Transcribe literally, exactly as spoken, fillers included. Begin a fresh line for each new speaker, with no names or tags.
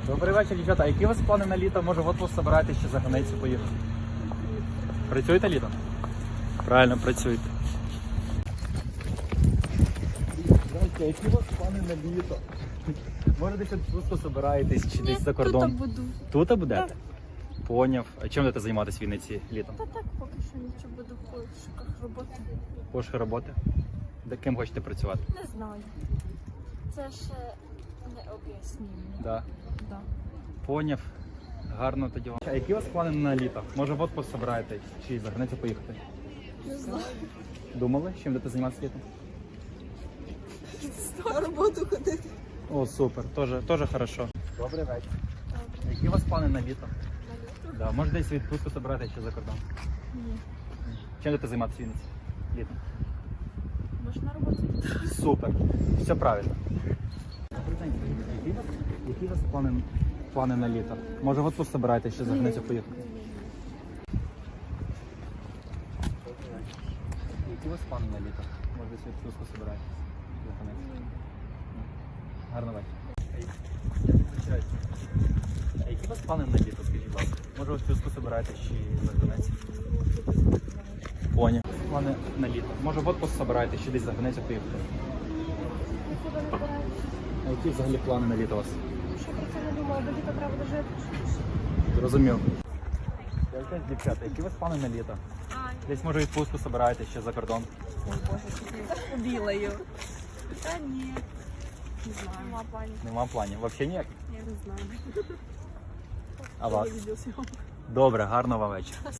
Добрий вечір, дівчата. А які у вас плани на літо? Може, в отпуск собираєтесь ще за границю поїхати? Працюєте літом? Правильно, працюєте. Здравствуйте, які у вас плани на літо? Може, десь відпустку собираєтесь чи
Ні,
десь за кордон?
тут буду.
Тут будете? Поняв. А чим будете займатися в Вінниці літом?
Та так поки що нічого буду в пошуках роботи.
Пошук роботи? Де ким хочете працювати?
Не знаю. Це ще не об'яснює.
Да.
Да.
Поняв. Гарно тоді вам. А які у вас плани на літо? Може, в отпуск собираєтесь чи за границю поїхати?
Не знаю.
Думали, чим будете займатися літом?
На роботу ходити.
О, супер, тоже, тоже хорошо. Добрий вечір. Які у вас плани на літо? Да, може десь відпустку собирати ще за кордон?
Ні.
Чим будете займатися в Вінниці? Літом?
Може на роботу?
Супер, все правильно. Добрий день, які у вас, які у вас плани, плани на літо? Може в отпуск собираєте ще за границю поїхати? Які у вас плани на літо? Може десь відпустку собираєтесь за границю? Гарно вечір. Я вибачаюсь. А які у вас плани на літо, скажіть, будь ласка? Може ви в списку собираєтесь чи за границю? Поняв. Плани на літо. Може в отпуск собираєтесь чи десь за границю поїхати? А які взагалі плани на літо у вас?
Що про це не думала, бо літо треба дожити.
Зрозумів. Дівчата, які у вас плани на літо? Десь може відпустку собираєтесь ще за кордон?
Ой, Боже, що білою. Та ні. Не знаю. Нема планів.
Нема планів. Взагалі ніяк?
Я не знаю.
А вас? Добре, гарного вам вечора.